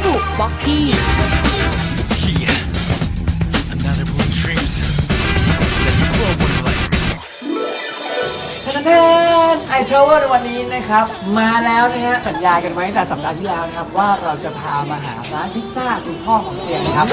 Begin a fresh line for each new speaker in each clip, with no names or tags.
บุบ็อกกี้
แทนไอทราเวลในวันนี้นะครับมาแล้วนะฮะสัญญากันไว้ตั้งแต่สัปดาห์ที่แล้วนะครับว่าเราจะพามาหาร้านพิซซ่าคุณพ่อของเซียนนะครับ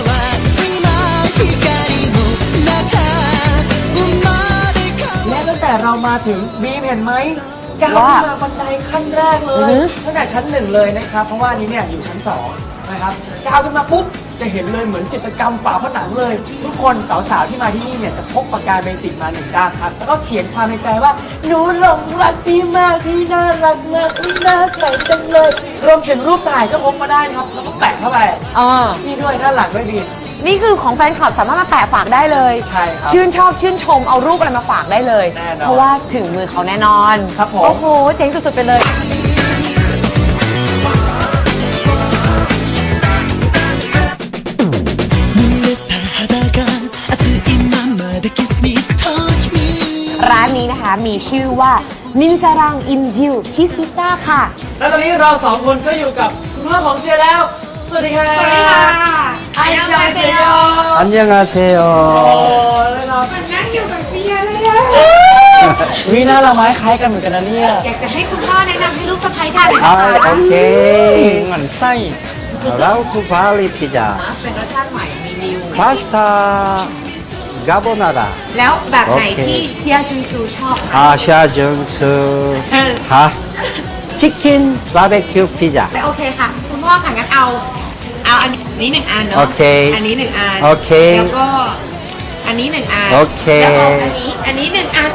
และตั้งแต่เรามาถึงบีมเห็นไหมก้าวขึ้นมาบันไดขั้นแรกเลยตั้งแต่ชั้น 1เลยนะครับเพราะว่านี้เนี่ยอยู่ชั้น2นะครับก้าวขึ้นมาปุ๊บจะเห็นเลยเหมือนจิตรกรรมฝาผนังเลยทุกคนสาวๆที่มาที่นี่เนี่ยจะพกปากกาเบจิกมา1ด้ามครับแล้วก็เขียนความในใจว่าหนูหลงรักพี่มากพี่น่ารักมากพี่น่าใสจังเลยรวมถึงรูปถ่ายก็พกมาได้ครับแล้วก็แปะเข้าไปนี่ด้วยด้านหลังด้วยดี
นี่คือของแฟนคลับสามารถมาแปะฝากได้เลย
ใช่ครับ
ชื่นชอบชื่นชมเอารูปอะไรมาฝากได้เลย
แน่นอน
เพราะว่าถึงมือเขาแน่นอน
ครับผม
โอ้โหเจ๋งสุดๆไปเลยร้านนี้นะคะมีชื่อว่ามินซารังอินจิวชีสพิซซ่าค่ะ
และตอนนี้เรา2คนก็อยู่กับคุณพ่อของเซียแล้วสวัสดีค่ะ
สวัสดีค่ะ
อันยองเซีย
อันยังอาเซโอ
เลยครับ
มันนั่งอยู่กับเซียเลยอะ
วิน่าเราไม้คล้ายกันเหมือนกันนะเนี่ย
อยากจะให้คุณพ่อแนะนำให้ลูกสะใภ้ทานหน่อยนะคะ
โอเค
หมั่นไส้
เราทูพาลีพิซซ่า
เป็นรสชาติใหม่มีนิว
พาสต้ากาโบนาร่า
แล้วแบบไหนที่เซียจุนซูชอบ
เซียจุนซูฮะชิคเก้นบาร์บีคิวพิซซ่า
โอเคค่ะคุณพ่อค่ะงั้นเอาอันนี้1อันเนาะ
โอเค
อันนี้1อัน
โอเค
แล้วก็อันนี้1อัน
โอเค
แล้วอันนี้1อัน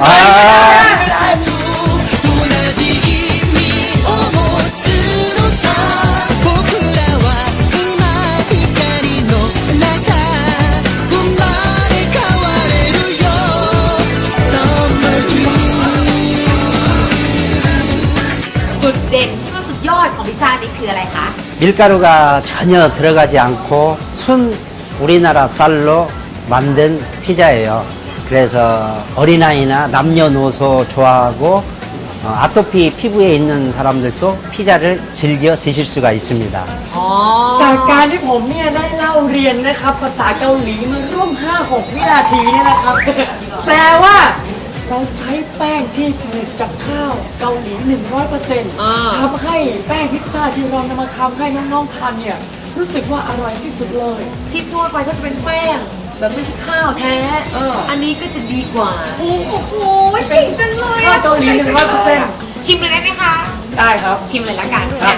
จุดเด่นที่ว่าสุดยอดของพิซซ่านี่คืออะไรคะ
밀가루가 전혀 들어가지 않고 순 우리나라 쌀로 만든 피자예요. 그래서 어린아이나 남녀노소 좋아하고 아토피 피부에 있는 사람들도 피자를 즐겨 드실 수가 있습니다.
จากการที่ผมเนี่ยได้เล่าเรียนนะครับภาษาเกาหลีมาร่วม 5-6 วินาทีเนี่ยนะครับแปลว่าเราใช้แป้งที่ผลิตจากข้าวเกาหลี 100% ทำให้แป้งพิซซ่าที่เรานำมาทำให้น้องๆทานเนี่ยรู้สึกว่าอร่อยที่สุดเลย
ที่ทั่วไปก็จะเป็นแป้งแบบไม่ใช่ข้าวแท้อันนี้ก็จะดีกว่าโอ้โหเก่งจังเลย
ข้าวเกาหลี 100%
ชิมเลยได้ไหมคะ
ได้ครับ
ชิมเลยละกัน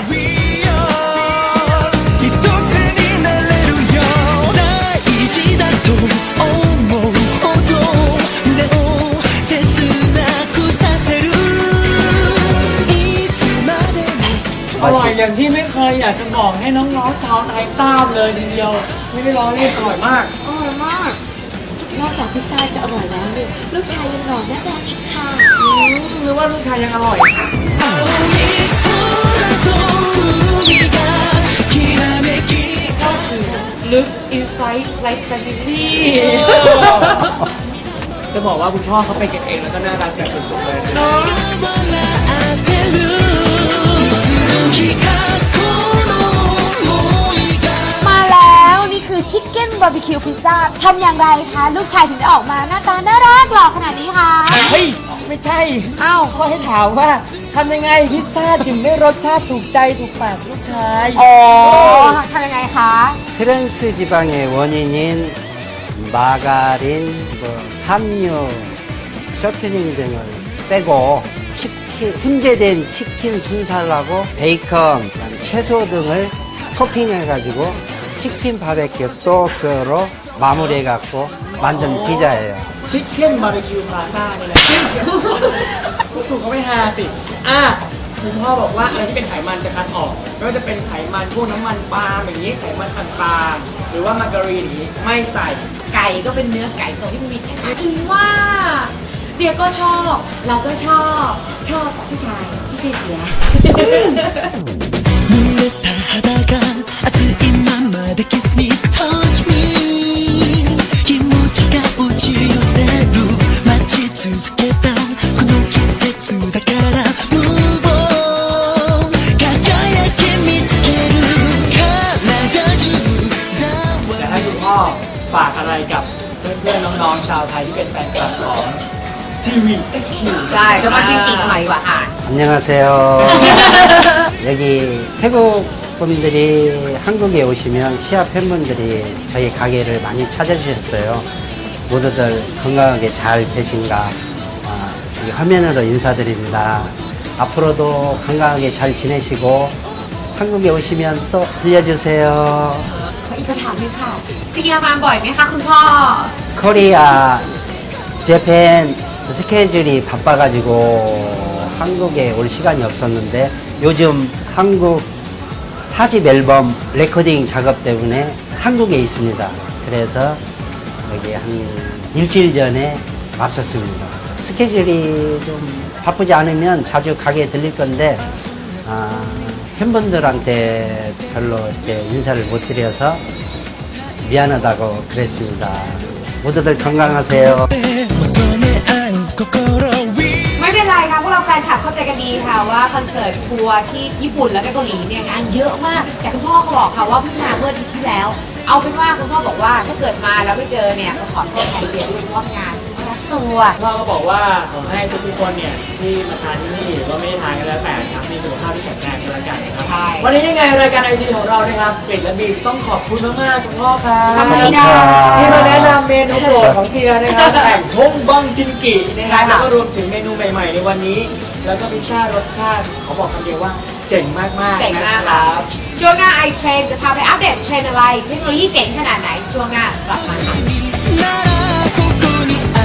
อร่อยอย่างที่ไม่เคยอยากจะบอกให้น้องๆชาวไทยทราบเลยทีเดียวไม่ได้ล้อเล่นอร่อยมาก
นอกจากพิซซ่าจะอร่อยแล้วเนี่ยลูกชายยังหล่อหน้าแดงอีกค่ะ
หรือว่าลูกชายยังอร่อย
ลึกอินไซต์ไลฟ์แฟมิลี่
จะบอกว่าคุณพ่อเขาไปเก็บเองแล้วก็น่ารักแบบสุดๆเลย
มาแล้วนี่คือชิคเก้นบาร์บีคิวพิซซ่าทำอย่างไรคะลูกชายถึงได้ออกมาหน้าตาน่ารักหล่อขนาดนี้คะ
เฮ้ยไม่ใช่พ่อให้ถามว่าทำยังไงพิซซ่าถึงได้รสชาติถูกใจถูกปากลูกชาย
ทำยังไงคะ
트랜스 지방의 원인인 마가린, 함유, 셔트닝 등을 빼고 훈제된 치킨 순살하고 베이컨, 채소 등을 토핑해가지고 치킨 바베큐 소스로 마무리해갖고 만든 피자예요.
ชิคเก้นบาร์บีคิวพลาซ่านี่แหละถูกเขาไม่ฮาสิคุณพ่อบอกว่าอะไรที่เป็นไขมันจะคัดออกไม่ว่าจะเป็นไขมันพวกน้ำมันปาล์มอย่างนี้ไขมันต่างๆหรือว่ามาการีนอย่างนี้ไม่ใส่
ไก่ก็เป็นเนื้อไก่ตัวที่ไม่มีไขมันถึงว่าเสียก็ชอบเราก็ชอบผู้ชายพี่เสีย
ฝากอะไรกับเพื่อนๆน้องๆชาวไทยที่เป็นแฟนคลับของทีวี XQ
ใช่จะมาชิงกีกันหน่อยดีกว่าค่ะ
안녕하세요. 여기 태국 분들이 한국에 오시면 시아 팬분들이 저희 가게를 많이 찾아주셨어요. 모두들 건강하게 잘 계신가 이 화면으로 인사드립니다. 앞으로도 건강하게 잘 지내시고 한국에 오시면 또 들려주세요.
อีกคำถามหนึงค่ะเซียมาบ่อยไหมคะคุณพ่อ
코리아, 재팬 스케줄이 바빠가지고 한국에 올 시간이 없었는데 요즘 한국 4집 앨범 레코딩 작업 때문에 한국에 있습니다. 그래서 여기 한 일주일 전에 왔었습니다. 스케줄이 좀 바쁘지 않으면 자주 가게 들릴 건데 팬분들한테 별로 이렇게 인사를 못 드려서 미안하다고 그랬습니다. 모두들 건강하세요.
ไม่เป็นไรค่ะพวกเราแฟนคลับเข้าใจกันดีค่ะว่าคอนเสิร์ตทัวร์ที่ญี่ปุ่นแล้วก็เกาหลีเนี่ยงานเยอะมากแต่คุณพ่อเขาบอกค่ะว่าเพิ่งมาเมื่ออาทิตย์ที่แล้ว เอาเป็นว่าคุณพ่อบอกว่าถ้าเกิดมาแล้วไม่เจอเนี่ยก็ขอโทษแทนเดียวด้วยเพราะว่างานรัดตัว
พ่อก็บอกว่าขอให้ทุกๆคนเนี่ยที่มาทานที่นี่หรือว่าไม่ได้ทานกันแล้วแต่นะครับมีสุขภาพที่แข็งแรงกันแล้วกันนะครับ
ใช่
วันนี้ยังไงรายการไอทีของเรานะครับกริดและบีมต้องขอบคุณมากๆคุณพ่อครับ
ขอบคุณค่ะ
ที่มาแนะนำเมนูโปรดของเซียนะครับแห่งทงบังจินกินะครับแล้วก็รวมถึงเมนูใหม่ๆในวันนี้ แล้วก็พิซซ่ารสชาติเขาบอกคำเดียวว่าเจ๋งมากๆ
เจ๋งมาก
นะค
ค่ะ
รับ
ช่วงหน้าไอเทรนจะพาไปอัปเดตเทรนอะไรเทคโนโลยีเจ๋งขนาดไหนช่วงหน้ากลับมาค่ะ
ならここに